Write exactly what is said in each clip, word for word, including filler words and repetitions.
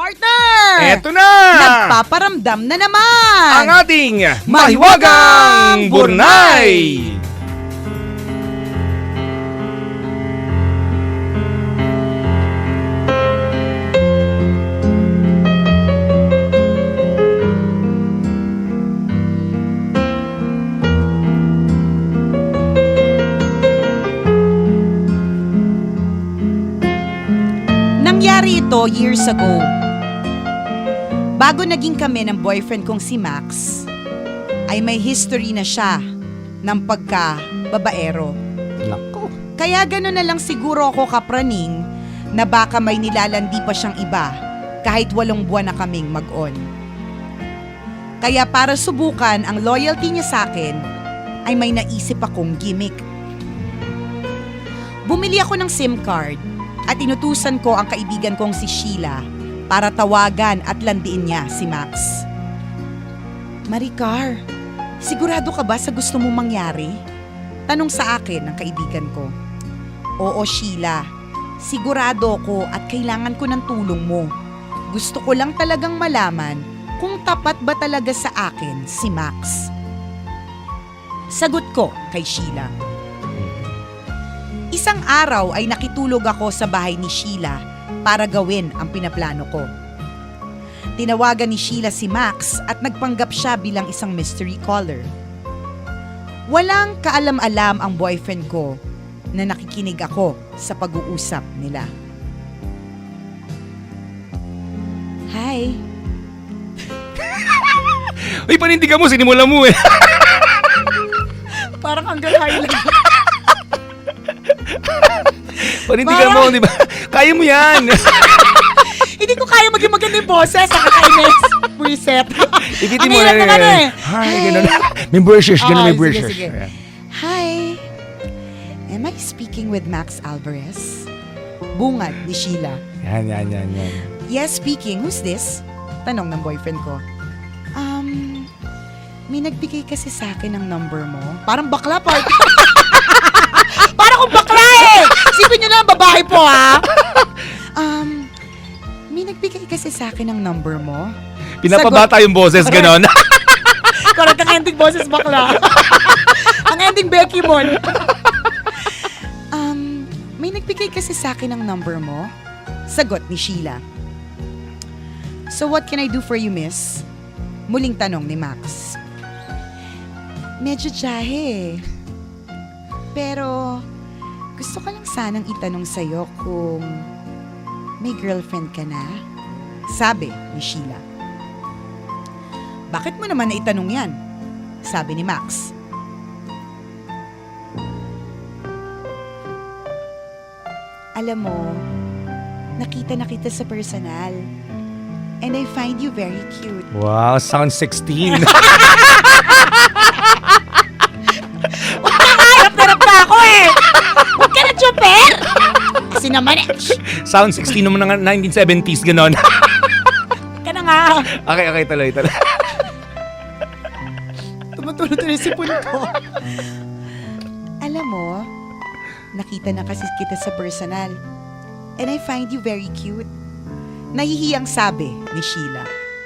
Partner! Eto na! Nagpaparamdam na naman! Ang ating Mahiwagang Burnay! Nangyari ito years ago. Bago naging kami ng boyfriend kong si Max, ay may history na siya ng pagka-babaero. Nako. Kaya gano'n na lang siguro ako kapraning na baka may nilalandi pa siyang iba kahit walong buwan na kaming mag-on. Kaya para subukan ang loyalty niya sa akin, ay may naisip akong gimmick. Bumili ako ng SIM card at inutusan ko ang kaibigan kong si Sheila para tawagan at landiin niya si Max. Maricar, sigurado ka ba sa gusto mong mangyari? Tanong sa akin ng kaibigan ko. Oo, Sheila. Sigurado ko at kailangan ko ng tulong mo. Gusto ko lang talagang malaman kung tapat ba talaga sa akin si Max. Sagot ko kay Sheila. Isang araw ay nakitulog ako sa bahay ni Sheila para gawin ang pinaplano ko. Tinawagan ni Sheila si Max at nagpanggap siya bilang isang mystery caller. Walang kaalam-alam ang boyfriend ko na nakikinig ako sa pag-uusap nila. Hi. Uy, panindigan mo, sinimula mo eh. Parang hanggang high lang. Panindigan mo, di ba? Kaya mo yan. Hindi ko kaya maging maganda yung boses sa kakainis. Reset. Ikitin Ang mo hirap na naman eh. Hi, gano'n. May brushes, gano'n may Okay, brushes. sige, sige. Hi. Am I speaking with Max Alvarez? Bungad ni Sheila. Yan, yan, yan, yan. Yes, speaking. Who's this? Tanong ng boyfriend ko. Um, may nagbigay kasi sa akin ng number mo. Parang bakla, part. Parang kung bakla eh! Sipin nyo na ang babae po, ha? Um, may nagbigay kasi sa akin ng number mo. Pinapabata yung boses, gano'n. Correct ang ending boses bakla. Ang ending Becky Mon. um, may nagbigay kasi sa akin ng number mo. Sagot ni Sheila. So what can I do for you, miss? Muling tanong ni Max. Medyo jahe. Pero gusto ko lang sanang itanong sa'yo kung may girlfriend ka na? Sabi ni Sheila. Bakit mo naman na itanong yan? Sabi ni Max. Alam mo, nakita na kita sa personal. And I find you very cute. Wow, sound sixteen. Harap-harap pa ako eh! Huwag ka na chopper! Kasi naman eh. Sound sixteen naman ng nineteen seventies, gano'n. Huwag ka na nga. Okay, okay, tuloy, tuloy. Tumutuloy-tuloy si sipon ko. Alam mo, nakita na kasi kita sa personal. And I find you very cute. Nahihiyang sabi ni Sheila.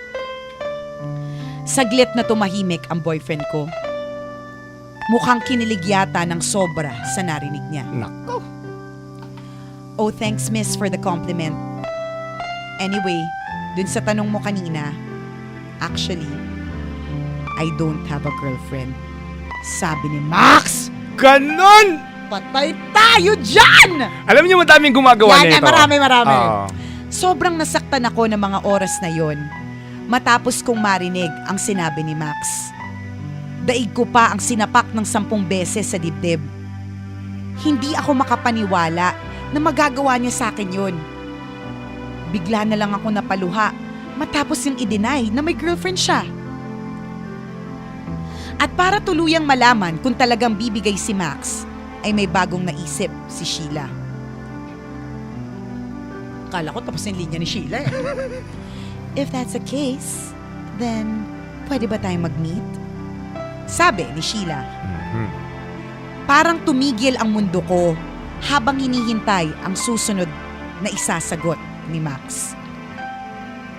Saglit na tumahimik ang boyfriend ko. Mukhang kinilig yata ng sobra sa narinig niya. Nako. Oh, thanks miss for the compliment. Anyway, dun sa tanong mo kanina, actually, I don't have a girlfriend. Sabi ni Max! Ganon! Patay tayo dyan! Alam niyo, madaming gumagawa Yan, nito. yan, marami, marami. Oo. Sobrang nasaktan ako ng mga oras na yon matapos kong marinig ang sinabi ni Max. Daig ko pa ang sinapak ng sampung beses sa dibdib. Hindi ako makapaniwala na magagawa niya sa akin yun. Bigla na lang ako napaluha matapos yung i-deny na may girlfriend siya. At para tuluyang malaman kung talagang bibigay si Max, ay may bagong naisip si Sheila. Kala ko tapos yung linya ni Sheila eh. If that's the case, then pwede ba tayong mag-meet? Sabi ni Sheila. Mhm. Parang tumigil ang mundo ko habang hinihintay ang susunod na isasagot ni Max.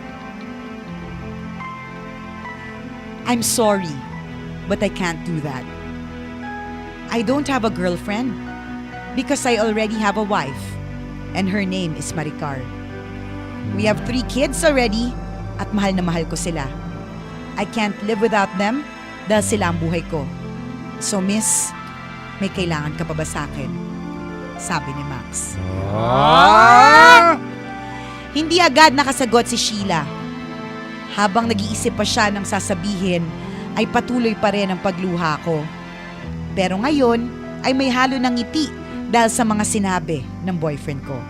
I'm sorry, but I can't do that. I don't have a girlfriend because I already have a wife and her name is Maricar. We have three kids already at mahal na mahal ko sila. I can't live without them dahil sila ang buhay ko. So miss, may kailangan ka pa ba sa akin? Sabi ni Max. Ah! Hindi agad nakasagot si Sheila. Habang nag-iisip pa siya ng sasabihin, ay patuloy pa rin ang pagluha ko. Pero ngayon ay may halo ng ngiti dahil sa mga sinabi ng boyfriend ko.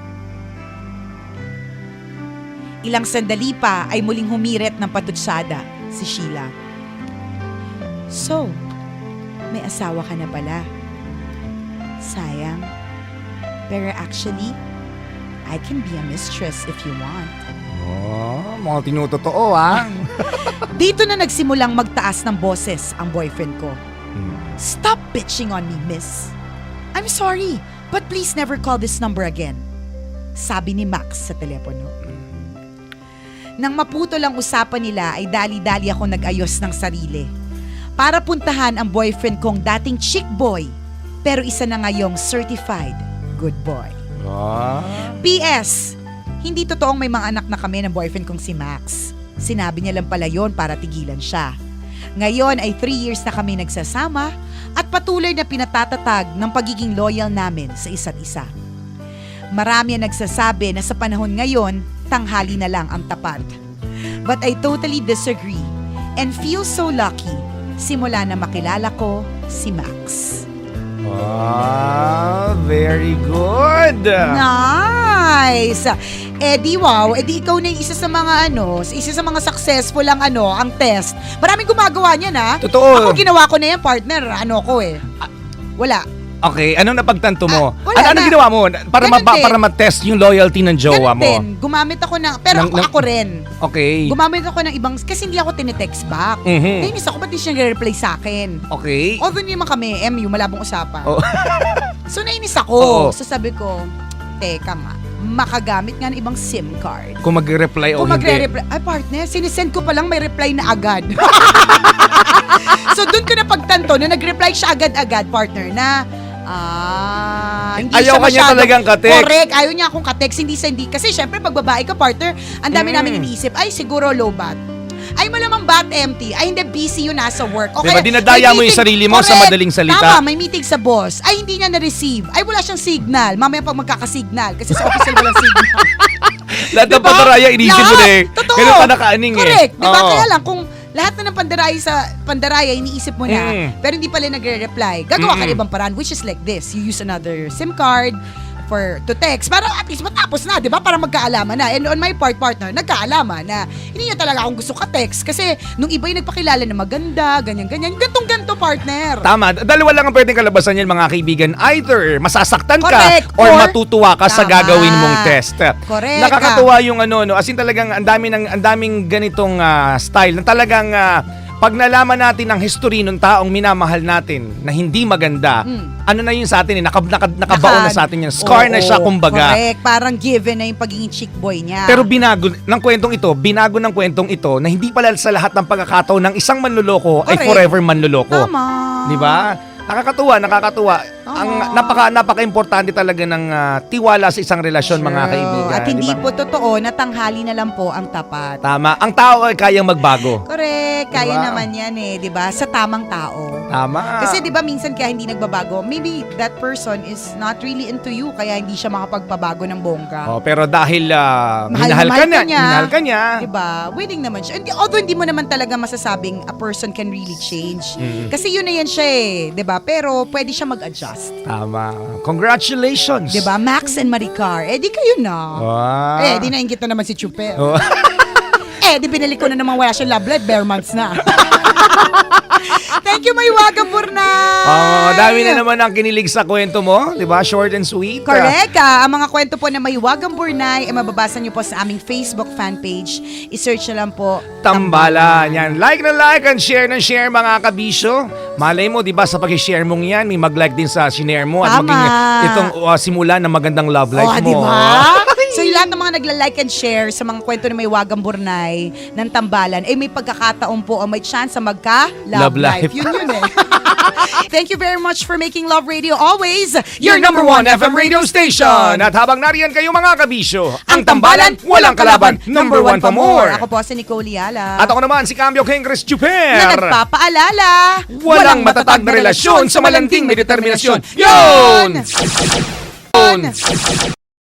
Ilang sandali pa ay muling humirit ng patutsada si Sheila. So, may asawa ka na pala. Sayang. Pero actually, I can be a mistress if you want. Oh, mga tinutotoo ah. Dito na nagsimulang magtaas ng boses ang boyfriend ko. Hmm. Stop bitching on me, miss. I'm sorry, but please never call this number again. Sabi ni Max sa telepono. Nang maputol ang usapan nila ay dali-dali ako nag-ayos ng sarili. Para puntahan ang boyfriend kong dating chick boy, pero isa na ngayong certified good boy. Ah. P S. Hindi totoong may mga anak na kami ng boyfriend kong si Max. Sinabi niya lang pala yon para tigilan siya. Ngayon ay three years na kami nagsasama at patuloy na pinatatatag ng pagiging loyal namin sa isa't isa. Marami ang nagsasabi na sa panahon ngayon, tanghali na lang ang tapat. But I totally disagree and feel so lucky simula na makilala ko si Max. Ah, very good. Nice! Eh di wow, eh di ikaw na yung isa sa mga ano, isa sa mga successful ang ano, ang test. Maraming gumagawa niyan ha. Totoo. Ako ginawa ko na yan, partner. Ano ko eh. Wala. Okay, anong napagtanto mo? Ah, wala ano, anong na. ginawa mo? Para, Ganun ma- din. para ma-test yung loyalty ng jowa Ganun mo. din. Gumamit ako ng, pero Ng- ako, ng- ako rin. Okay. Gumamit ako ng ibang, kasi hindi ako tinetext back. Mhm. Nainis ako, ba't di siya nag-reply sa akin? Okay. Although hindi naman kami, M U, malabong usapan. Oh. So nainis ako. Oo. So sabi ko, teka nga, makagamit nga ng ibang SIM card. Kung magre-reply o Kung hindi. magre-reply, ay partner, sinisend ko pa lang may reply na agad. So doon ko na pagtanto, na nag-reply siya agad-agad, partner, na ah, hindi Ayaw siya ka niya masyado- talagang ka-text. Correct, ayaw niya akong ka-text, hindi sa hindi. Kasi syempre, pag babae ka, partner, ang dami Mm. namin iniisip, ay siguro low bat. Ay malamang bat empty. Ay hindi, busy yun, nasa work. O Diba, kaya, dinadaya may mo yung meeting- sarili mo sa Correct. madaling salita. Tama, may meeting sa boss. Ay hindi niya na-receive. Ay wala siyang signal. Mamaya pag magkakasignal. Kasi sa office walang signal. Lahat ng Diba? pandaraya, inisip mo na eh. Lahat. Totoo. Ganun ka nakaaning eh. Correct. Diba? Oo. Kaya lang, kung lahat na ng pandaraya sa pandaraya, iniisip mo na, Mm. pero hindi pala nagre-reply, gagawa ka Mm-mm. ng ibang paraan, which is like this. You use another SIM card for to text. Para at least matapos na, di ba? Para magkaalaman na. And on my part, partner, nagkaalaman na hindi niya talaga akong gusto ka-text. Kasi nung iba yung nagpakilala na maganda, ganyan-ganyan, gantong-ganto, partner. Tama. Dalawa lang ang pwedeng kalabasan yan, mga kaibigan. Either masasaktan ka Correct. or, Or- matutuwa ka sa Tama. gagawin mong test. Correct. Nakakatuwa yung ano, no, as in talagang ang dami ng ang daming ganitong ah, style na talagang ah, pag nalaman natin ang history ng taong minamahal natin na hindi maganda, Mm. ano na yun sa atin eh, naka, naka, nakabaon na sa atin yan. Scar na Oo, siya, kumbaga. Correct. Parang given na yung pagiging chick boy niya. Pero binago ng kwentong ito, binago ng kwentong ito na hindi pala sa lahat ng pagkakataon ng isang manloloko ay Correct. forever manloloko. Tama. Di ba? Nakakatuwa, nakakatuwa. Tama. Ang napaka napaka-importante talaga ng ah, tiwala sa isang relasyon, mga True. kaibigan. At hindi di ba? po totoo na tanghali na lang po ang tapat. Tama. Ang tao ay kayang magbago. Correct. Kaya Diba? naman yan eh, di ba? Sa tamang tao. Tama. Kasi di ba minsan kaya hindi nagbabago, maybe that person is not really into you, kaya hindi siya makapagpabago ng bongga. Oh, pero dahil ah, Mahal na minahal mahal ka ka niya, niya. minahal ka niya. Diba? Willing naman siya. Hindi, although hindi mo naman talaga masasabing a person can really change. Mm. Kasi yun na yan siya eh. Diba? Pero pwede siya mag-adjust. Tama. Congratulations. Diba? Max and Maricar. Eh di kayo na. Wow. Eh di nainggit na naman si Chuper. Oh. Eh di binalik ko na naman wala siyang love life. Bare months na. Thank you, Maywaga Burnay. Oh, dami na naman ang kinilig sa kwento mo, 'di ba? Short and sweet. Correct. Ah, ang mga kwento po na Maywagang Burnay ay mababasa niyo po sa aming Facebook fan page. I-search na lang po. Tambalan. Yan. Like na like and share na share, mga kabisyo. Malay mo, di ba, sa pag-share mong yan, may mag-like din sa shinare mo at Tama. maging itong uh, simula ng magandang love life Oh, mo. di ba? So lahat ng mga nagla-like and share sa mga kwento ni May Wagang Burnay ng Tambalan, eh may pagkakataon po o may chance sa magka-love Love life. life. Yun yun eh. Thank you very much for making Love Radio always Your number one F M radio station. At habang nariyan kayo mga kabisyo, ang Tambalan, walang kalaban, number one pa more. Ako po si Nicole Yala. At ako naman si Cambio King Chris na Juper. nagpapaalala, Walang matatag na relasyon sa malanding may determinasyon. Yun! Yun!